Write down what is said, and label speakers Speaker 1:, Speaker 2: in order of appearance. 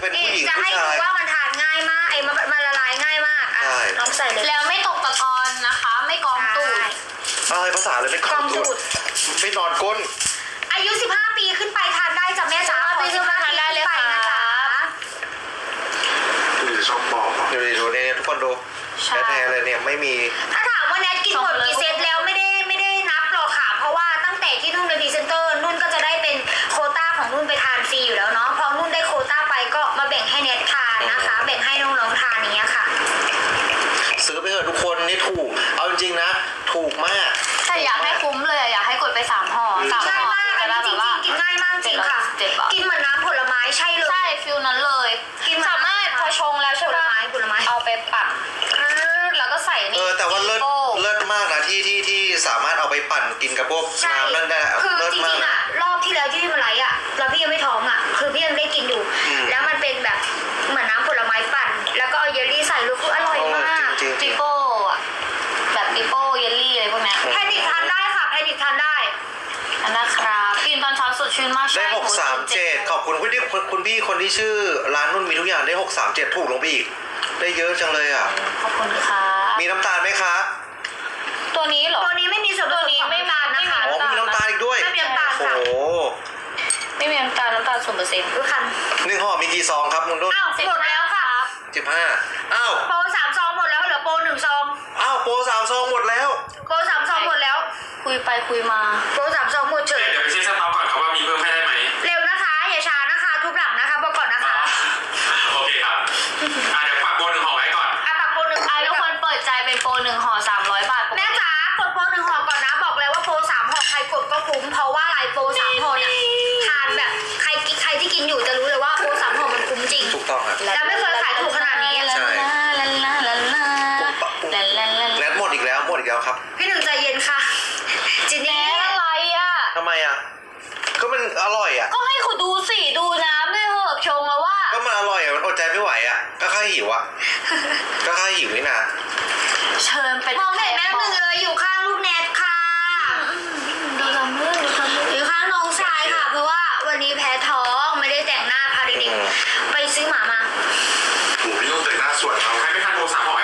Speaker 1: เป็นผู้หญิง
Speaker 2: จะ
Speaker 1: ผู้
Speaker 2: ให้
Speaker 1: ชา
Speaker 2: ดู
Speaker 1: ย
Speaker 2: ว่ามันทานง่ายมากมันละลายง่ายมากอ่ะ
Speaker 1: ใช่
Speaker 2: ลองใส่เลย
Speaker 3: แล้วไม่ตกตะกอนนะคะ ไม่กองตูด
Speaker 1: อะไรภาษาเลยไม่
Speaker 2: ก
Speaker 1: ข
Speaker 2: อ
Speaker 1: อง
Speaker 2: ง
Speaker 1: ตู
Speaker 2: สู
Speaker 1: ด
Speaker 2: ตร
Speaker 1: ไม่นอนก้น
Speaker 2: อายุ 15 ปีขึ้นไปทานได้จ้ะแม่จ๋า
Speaker 3: 15ปีขึ้นไปทานได้เลยค่ะ
Speaker 2: 15 ปีขึ้นไปนะจ๊ะ
Speaker 4: คือช่องบอก
Speaker 1: ดูเนี่ยทุกคนดู
Speaker 3: ใช่
Speaker 1: แท้ๆเลยเนี่ยไม่มี
Speaker 2: ถ้าถามว่าแนทกินหมดกี่เซตแล้วไม่ได้นับหรอกค่ะ เพราะว่าตั้งแต่ที่นุ่นเป็นพรีเซนเตอร์นุ่นก็จะได้เป็นโควต้าของนุ่นไปทานฟรีอยู่แล้วเนาะพอนุ่นได้โควต้าไปก็มาแบ่งให้แนททานนะคะ แบ่งให้น้องๆทานอย่างเงี้ยค่ะ
Speaker 1: ซื้อไปเถอะทุกคนนี่ถูก เอาจริงๆนะ ถูกมาก
Speaker 3: แต่อยากให้คุ้มเลยอะอยากให้กดไป3 ห่อ3
Speaker 2: ง่าย
Speaker 3: ห่อ
Speaker 2: มากอันนี้จ
Speaker 3: แบบ
Speaker 2: ริ
Speaker 3: ว่าง
Speaker 2: ๆกินง่ายมากจริงค่ะ
Speaker 3: 7บาท
Speaker 2: กินเหมือนน้ำผลไม้ใช่เลย
Speaker 3: ใช่ฟิลนั้นเลย
Speaker 2: กินเหมือน
Speaker 3: สามารถพอชงแล้วใช่
Speaker 2: ผล
Speaker 3: ปะ
Speaker 2: ไม้
Speaker 3: เอาไปปั่นแล้วก็ใส่นี่
Speaker 1: แต่ว่าเลิศ
Speaker 3: โป้
Speaker 1: เลิศมากนะที่สามารถเอาไปปั่นกินกับพวก
Speaker 2: ใช่
Speaker 1: น้ำนั่นได้
Speaker 2: คือ
Speaker 1: เลิศ
Speaker 2: จ
Speaker 1: มา
Speaker 2: ริ
Speaker 1: ก
Speaker 2: งๆ
Speaker 1: นะ
Speaker 2: อะรอบที่แล้วที่พี่มาไลฟ์อะแล้วพี่ยังไม่ท้องอะคือพี่ยังได้กินอยู่
Speaker 1: อืม
Speaker 2: แล้วมันเป็นแบบเหมือนน้ำผลไม้ปั่น แล้วก็เอาเยลลี่ใส่ลูกคืออร่อยมาก
Speaker 1: จริงๆ
Speaker 3: ปิโป้อะแบบปิโป้เยลลี่อะไรพวกเนี้ย
Speaker 2: แพนิคทานได้ค่ะแพนิคทานได้
Speaker 3: อันนะครับกินตอนเช้าสดชื่นมาก
Speaker 1: ได้
Speaker 3: ใช่
Speaker 1: 637ขอบคุณคุณพี่คนที่ชื่อร้านนุ่นมีทุกอย่างได้637ถูกลงไปอีก ได้เยอะจังเลยอ่ะ
Speaker 3: ขอบคุณค่ะ
Speaker 1: มีน้ำตาลไหมคะ
Speaker 3: ตัวนี้เหรอ
Speaker 2: ตัวนี้ไม่มีส่วนผ
Speaker 3: ตัว
Speaker 2: สม
Speaker 3: นี้
Speaker 2: ของ
Speaker 3: ไม่
Speaker 2: น้ำตาลนะคะ
Speaker 1: อ๋อมีน้ำตาลอีกด้วย
Speaker 2: ไม่มีน้ำตาล
Speaker 1: โอ้
Speaker 2: ค่ะ
Speaker 1: โห
Speaker 3: ไม่มีน้ำตาล0%
Speaker 2: ดูคัน
Speaker 1: 1 ห่อมีกี่ซองครับคุณนุ่น
Speaker 2: อ้าวหมดแล้วค่ะ
Speaker 1: 15อ้าว
Speaker 2: โปร3 ซองหมดแล้วเหลือโปร1 ซอง
Speaker 1: อ้าวโปร3 ซองหมดแล้ว
Speaker 2: โปร3 ซองหมดแล้ว
Speaker 3: คุยไปคุยมา
Speaker 2: โปร3 ซองหมดเฉย
Speaker 4: เดี๋ยวไปเช็คสต็อกก่อนครับว่ามีเพิ่มให้ได้ไหม
Speaker 2: เร็วนะคะอย่าช้านะคะทุบหลังนะคะบอกก่อนนะคะ
Speaker 4: โอเคครับเดี๋ยวฝากโบนหนึ่งห่อไว้ก่อน
Speaker 2: อ่ะปรับโปร1
Speaker 3: อ่ะทุกคนเปิดใจเป็นโปร1 ห่อ300 บาท
Speaker 2: แม่จ๋ากดโปร1 ห่อก่อนนะบอกเลยว่าโปร3 ห่อใครกดก็คุ้มเพราะว่าอะไรโปร3 ห่อเนี่ยทานแบบใครที่กินอยู่จะรู้เลยว่าโปร3 ห่อมันคุ้มจริง
Speaker 1: ถูกต้องครับ
Speaker 2: แล้วไม่เคยขายถูกขนาดนี้
Speaker 1: ใช่
Speaker 3: ลาลาลาลาลาลาลา
Speaker 1: แลดหมดอีกแล้วครับ
Speaker 2: พี่หนึ่งใจเย็นค่ะจิน
Speaker 3: แหน
Speaker 2: นี่
Speaker 3: อะไรอ่ะ
Speaker 1: ทำไมอ่ะก็มันอร่อยอ่ะ
Speaker 3: ก็ให้คุณดูสิดูน้ำด้วยเหอะชงแล้วว่า
Speaker 1: ก็มันอร่อยอ่ะมันอดใจไม่ไหวอ่ะก็แค่หิวอ่ะก็แค่หิวนี่นะ
Speaker 3: เชิญไป
Speaker 2: มองเห็นแม่น้ำหนึ่งเลยอยู่ข้างลูกแนทค่ะ
Speaker 3: ดูทำเรื่องดูทำเรื่อง
Speaker 2: อยู่ข้างน้องชายค่ะ เพราะว่าวันนี้แพ้ท้องไม่ได้แต่งหน้าพาเด็กๆไปซื้อหมามา
Speaker 4: โอ้พี่นุ่นแต่งหน้าสวยมากใครไม่ทานโบน3 ห่อ